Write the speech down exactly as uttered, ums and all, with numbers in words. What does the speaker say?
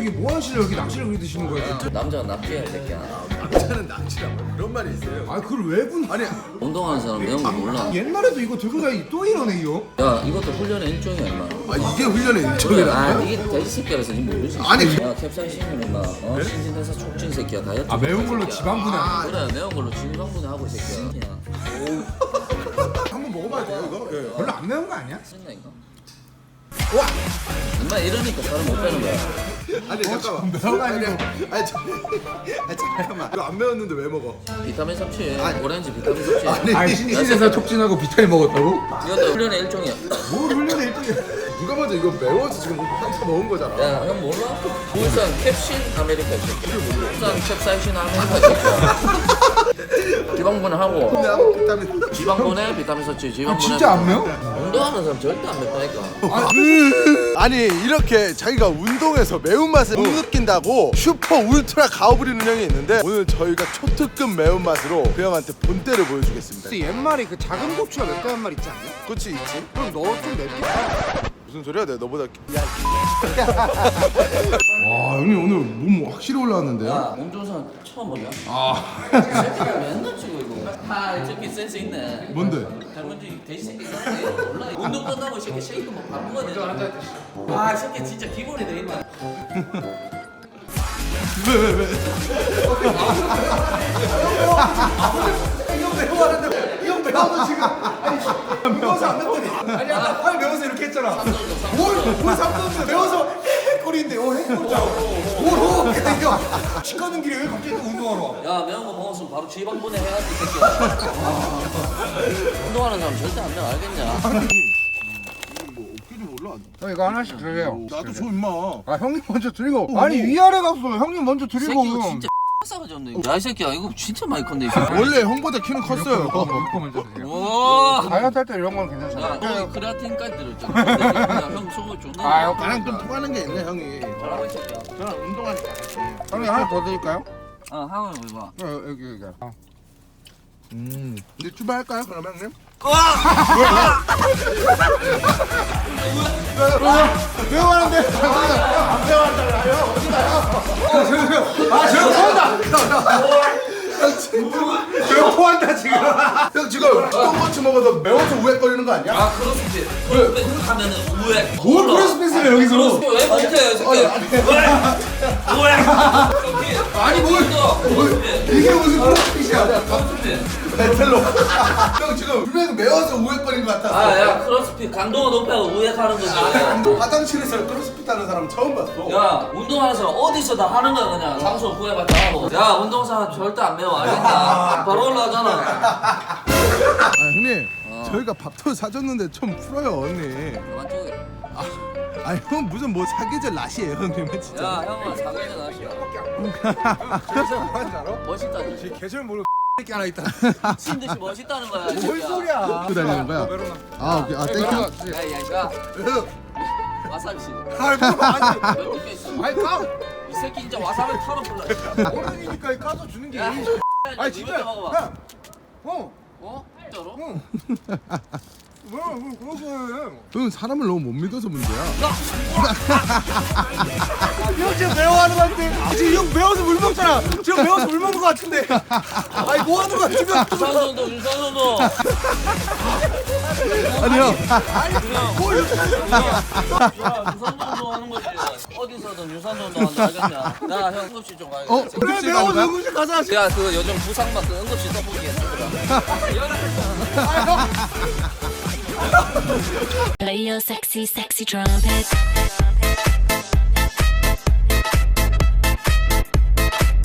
이게 뭐 하시려 여기 낚시를 그리 드시는 거예요? 남자가 납치해야 될 새끼야. 남자는 낚시라고 그런 말이 있어요. 아 그걸 왜 군? 아니 운동하는 사람 매운 거 몰라. 옛날에도 이거 들고 다니 또 이러네 이거. 야 이것도 훈련의 일종이야 임마. 아 이게 훈련의 일종이라. 아 이게 돼지 새끼라서 니 모르지. 아니. 야 캡사이신은 임마 어? 신진대사 촉진 새끼야 다이어트. 아 매운 걸로 지방 분해. 아, 그래 매운 걸로 지방분해 하고 이 새끼야. 한번 먹어봐야 돼요 이거. 예. 별로 안 매운 거 아니야? 쓴다 이거. 와. 임마 이러니까 사람 못 빼는 거야. 아니 잠깐만. 매워가지고. 아니 저, 아니 잠깐만. 이거 안 매웠는데 왜 먹어? 비타민 섭취. 아니. 오렌지 비타민 섭취. 아니. 아니 신신대사 촉진하고 비타민 먹었다고? 이것도 훈련의 일종이야. 뭘 훈련의 일종이야? 누가 먼저 이거 매워서 지금 한차 먹은 거잖아. 야 형 몰라? 울산 캡신 아메리카 이 새끼. 울산 캡사이신 아메리카 이 새끼야. 지방분해 하고. 근데 아무 비타민. 지방분해 비타민 섭취. 아, 지방분해. 진짜 안 매워? 운동하는 사람 절대 안 맵다니까. 아니 이렇게 자기가 운동해서 매운맛을 못 느낀다고 슈퍼 울트라 가오부리는 형이 있는데 오늘 저희가 초특급 매운맛으로 그 형한테 본때를 보여주겠습니다. 옛말에 그 작은 고추가 맵다는 말 있지 않냐? 그치 있지? 그럼 너 좀 맵게. 무슨 소리야 내가 너보다 야 와 형님 오늘 몸 확실히 올라왔는데요? 야, 몸 좋은 사람 처음 보냐? 아 새끼가 맨날 찍어 이거. 아, 이 새끼 센스 있네. 뭔데? 닮은지 돼지 새끼 같아. 이거 몰라. 운동 끝나고 이 새끼 쉐이크 막 밥 먹어야 되잖아. 아, 이 새끼 진짜 기본이 돼 있네. 이형 매워서 지금 아니 매워서 안 맵더니 아니 아까 팔 매워서 이렇게 했잖아. 뭘뭘 삼도인데 매워서 헥거리인데 어 헥거리잖아. 뭘호 이거 치과는 길에 왜 갑자기 또 운동하러 와? 야, 매운 거 먹었으면 바로 지방분해 해야지, 이 새끼야. 운동하는 사람 절대 안 매워, 알겠냐? 뭐 어깨 좀 올라. 형 이거 하나씩 드세요. 나도 줘 임마. 아 형님 먼저 드리고 아니 위아래 갔어 형님 먼저 새끼 드리고 이거 진짜 싸가지 없네. 이거. 야, 이 새끼야, 이거 진짜 많이 컸네, 이 새끼. 원래 형보다 키는 컸어요. 이거 먼저 드세요. 와. 다이어트 할 때 이런 건 야, 괜찮잖아. 너 크레아틴까지 들었잖아. 야, 형 속을 존나. 아, 형 나랑 좀 통하는 게 있네 형이. 잘하고 이 새끼야. 저랑 운동하니까 같이. 형님 하나 더 드릴까요? 어, 한번 해봐. 어, 여기 여기. 아. 음. 이제 출발할까요 그러면 형님? 매워 하는데. 안 매워 한다고요? 어디 가요? 아, 저 토한다. 저 토한다 지금. 형 지금 똥꼬치 먹어서 매워서 우웩거리는 거 아니야? 아, 크로스핏. 크로스핏 하면은 우회. 뭘 크로스핏을 여기서? 크로스핏 왜 못해, 이 새끼? 왜? 우회. 아니 뭘? 크로스핏. 이게 무슨 크로스핏이야? 크로스핏. 배틀로. 형 지금 분명히 매워서 우웩거리는 것 같았어. 아, 야, 크로스핏 강도가 높아서 우회하는 거지. 화장실에서 크로스핏 하는 사람 처음 봤어. 야, 운동하는 사람 어디서 다 하는 거야 그냥. 장소 구해봤자 하고. 야, 운동사람 절대 안 매워, 알겠냐? 바로 올라가잖아. 아 형님 저희가 밥도 사줬는데 좀 풀어요 언니. 그만 찍어. 아 형 무슨 뭐 사계절 낫이에요 형님은 진짜. 야, 형아, 사귀자 나시야. 저기서 뭐하는지 알아? 멋있다. 계절 모르고 새끼 하나 있다. 미친 듯이 멋있다는 거야. 이 뭔 새끼야. 소리야? 또 달리는 거야? 메로나. 아 오케이 아 땡큐. 야, 야, 야. 와사비 씨. 아이 뭐 아니. 몇 개 있어? 아이 까. 이 새끼 진짜 와사비 털어볼라. 어른이니까 까서 주는 게. 야, 아니 진짜. 이것도 먹어봐. 야. 어. 어? 진짜로? 응. 뭐야 뭐 그러고 해. 형 사람을 너무 못 믿어서 문제야. 형 지금 매워하는 거 같은데 지금 형 매워서 물 먹잖아. 지금 매워서 물 먹는 거 같은데. 아니 뭐 하는 거야 지금? 유산소도 유산소도. 아니 형. 뭘 야, 유산소도 하는 거지. 어디서든 유산소도 한다 알겠냐? 야, 형 응급실 좀 가야겠다. 어? 그래 응급실 매워서 가는 거야? 응급실 가자. 야, 그 요즘 부상막 그 응급실 떠보기 했었더라. Play your sexy, sexy trumpet.